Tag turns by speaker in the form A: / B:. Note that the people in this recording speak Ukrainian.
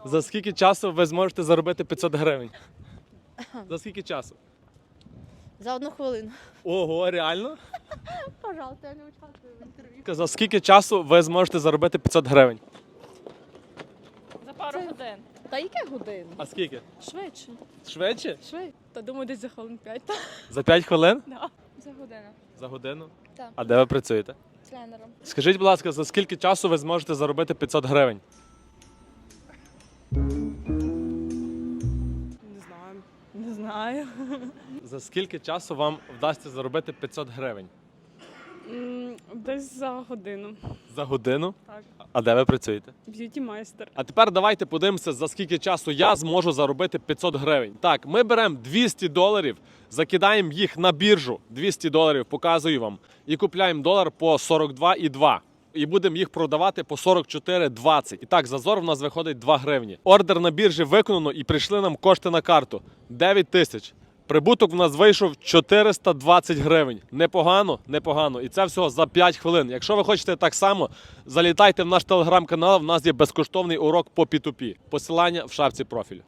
A: За скільки часу ви зможете заробити 500 гривень? За скільки часу?
B: За 1 хвилину.
A: Ого, реально?
B: Пожалуйста, я не участвую в інтерв'ю.
A: За скільки часу ви зможете заробити 500 гривень?
C: За пару годин.
B: Та яке годин?
A: А скільки?
C: Швидше.
A: Швидше?
C: Швидше. Та думаю, десь за хвилин 5.
A: За 5 хвилин?
C: Да. За годину.
A: За годину?
C: Так.
A: А де ви працюєте?
C: Тренером.
A: Скажіть, будь ласка, за скільки часу ви зможете заробити 500 гривень?
C: Не знаю. Не знаю.
A: За скільки часу вам вдасться заробити 500 гривень?
C: Десь за годину.
A: За годину?
C: Так.
A: А де ви працюєте?
C: Б'юті майстер.
A: А тепер давайте подивимося, за скільки часу я зможу заробити 500 гривень. Так, ми беремо 200 доларів, закидаємо їх на біржу, 200 доларів, показую вам, і купляємо долар по 42,2. І будемо їх продавати по 44,20. І так, зазор в нас виходить 2 гривні. Ордер на біржі виконано і прийшли нам кошти на карту. 9 тисяч. Прибуток в нас вийшов 420 гривень. Непогано, непогано. І це всього за 5 хвилин. Якщо ви хочете так само, залітайте в наш телеграм-канал, в нас є безкоштовний урок по P2P. Посилання в шапці профілю.